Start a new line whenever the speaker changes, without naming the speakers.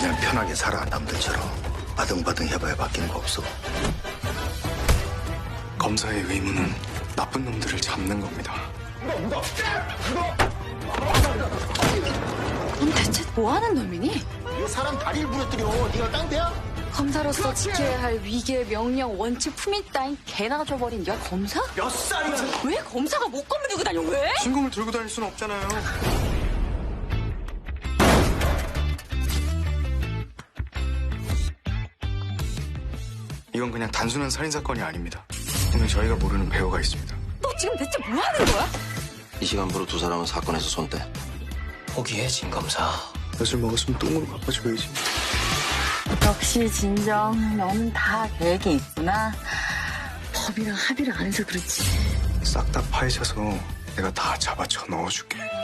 그냥 편하게 살아, 남들처럼. 바등바등 해봐야 바뀌는 거 없어.
검사의 의무는 나쁜 놈들을 잡는 겁니다.
넌 대체 뭐 하는 놈이니?
사람 다리를 부러뜨려. 네가 깡패야?
검사로서 지켜야 할 위계, 명령, 원칙, 품위 따윈 개나 줘버린 네가 검사?
몇 살이야?
왜 검사가 목검을 들고 다녀, 왜?
신금을 들고 다닐 수는 없잖아요. 이건 그냥 단순한 살인사건이 아닙니다. 오늘 저희가 모르는 배우가 있습니다.
너 지금 대체 뭐 하는 거야?
이 시간부로 두 사람은 사건에서 손대.
포기해, 진 검사.
엿을 먹었으면 똥으로 갚아줘야지.
역시 진정, 너는 다 계획이 있구나. 법이랑 합의를 안 해서 그렇지.
싹 다 파헤쳐서 내가 다 잡아쳐 넣어줄게.